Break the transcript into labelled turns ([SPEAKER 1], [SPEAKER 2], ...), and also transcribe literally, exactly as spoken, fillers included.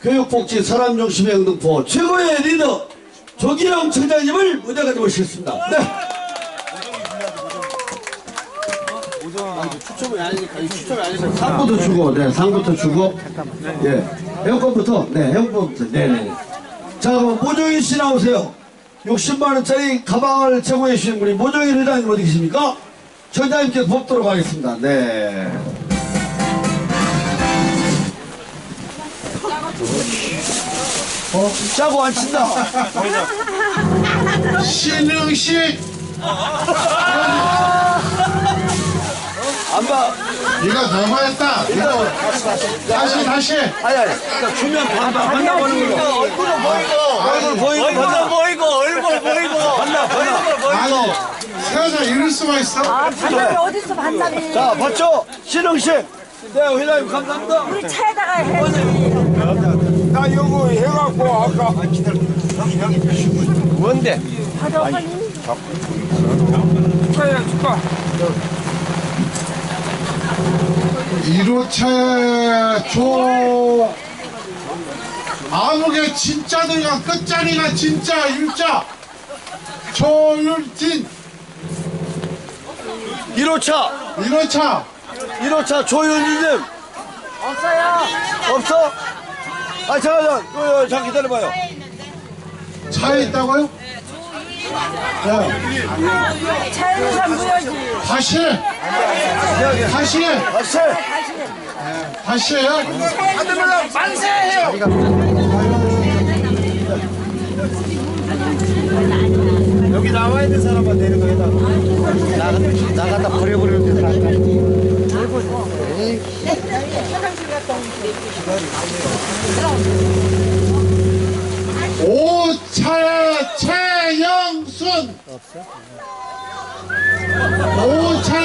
[SPEAKER 1] 교육복지 사람중심의 영등포 최고의 리더 조기영 청장님을 무대까지 모시겠습니다. 네. 추첨이 아니니까 추첨이 아니니까 상부터 주고, 네, 상부터 주고, 예, 에어컨부터, 네, 에어컨부터, 네, 네. 자, 그럼 모종인 씨 나오세요. 육십만 원짜리 가방을 제공해 주신 분이 모종인 회장님 어디 계십니까? 청장님께 뽑도록 하겠습니다. 네. 어, 짜고 안 친다.
[SPEAKER 2] 신흥식
[SPEAKER 1] 안 봐.
[SPEAKER 2] 이거 너무했다. 이거 다시 다시
[SPEAKER 1] 아니, 아니. 그러니까 주면 반다, 반다 보는 걸로.
[SPEAKER 3] 얼굴 보이고
[SPEAKER 1] 얼굴 보이고,
[SPEAKER 3] 얼굴
[SPEAKER 1] 반다.
[SPEAKER 3] 보이고 얼굴 보이고
[SPEAKER 1] 반다, 반다.
[SPEAKER 2] 아니 세상에 이럴 수가 있어?
[SPEAKER 4] 아, 반납이 어딨어, 반납이.
[SPEAKER 1] 자, 봤죠? 신흥식. 네, 회장님 감사합니다.
[SPEAKER 4] 우리 차에다가 해야지.
[SPEAKER 5] 나 이거 해갖고 아까
[SPEAKER 3] 뭔데?
[SPEAKER 4] 가자, 빨리.
[SPEAKER 5] 축하해 축하.
[SPEAKER 2] 일 호차 조 아무개 진짜들과 끝자리가 진짜 일자 조율진
[SPEAKER 1] 일 호차.
[SPEAKER 2] 일 호차
[SPEAKER 1] 일 호차 조윤희님.
[SPEAKER 4] 없어요.
[SPEAKER 1] 없어? 아, 잠깐, 잠깐. 어, 어, 잠깐 기다려봐요.
[SPEAKER 2] 차에 있다고요?
[SPEAKER 4] 차에서 잠그야지.
[SPEAKER 2] 다시 다시
[SPEAKER 1] 다시.
[SPEAKER 2] 다시요?
[SPEAKER 5] 아들만 만세해요.
[SPEAKER 3] 여기 나와 있는 사람만 내는 거에다 나가 나가다 버려버리는 데서
[SPEAKER 2] 오차의 최영순 오차의